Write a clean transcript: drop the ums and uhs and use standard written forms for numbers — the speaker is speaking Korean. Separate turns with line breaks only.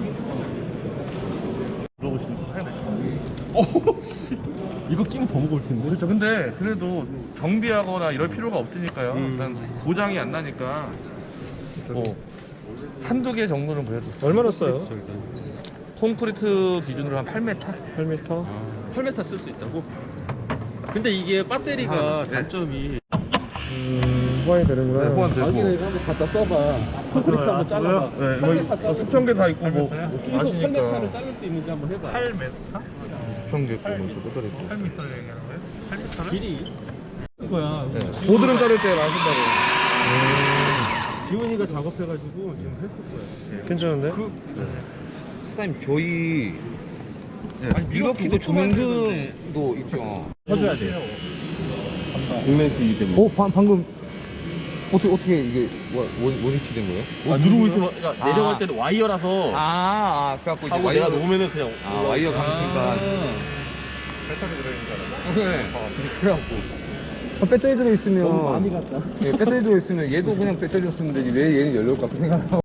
물어보시는 거 사야 돼.
씨. 이거 끼면 더 무거울 텐데.
그렇죠. 근데 그래도 정비하거나 이럴 필요가 없으니까요. 일단 고장이 안 나니까 한두 개 정도는 그래도.
얼마나 써요?
콘크리트 기준으로 한 8m?
8m?
8m 쓸 수 있다고? 근데 이게 배터리가 단점이
호환이 되는구나.
네, 호환 되고.
자기네 한번 갖다 써봐. 콘크리트 한번 잘라봐.
네, 뭐 수평계 다 있고 뭐
계속
아시니까.
8m를 자를 수 있는지 한번 해봐.
수평계 있고 뭐 뼈다리 있고.
8m를 얘기하는 거예요? 8m를?
길이
이거야.
네. 보드름 자를 때 하신다고.
지훈이가 작업해가지고 지금 했을 거야.
괜찮은데?
사장님 저희
아니,
미러키도 조명등도 있죠.
해줘야 돼요.
공랭수 때문에. 방금 어떻게 이게 원위치 된 거예요?
누르고 있으면 그러니까 내려갈 때는 와이어라서
그래갖고 이제
하고
와이어
내려놓으면은 그냥
와이어 감으니까.
배터리 들어있는 줄 알았어.
네. 그래갖고 배터리 들어 있으면 너무 많이 갔다. 배터리 들어 있으면 얘도 그냥 배터리였으면 되지 왜 얘는 열려올까 생각.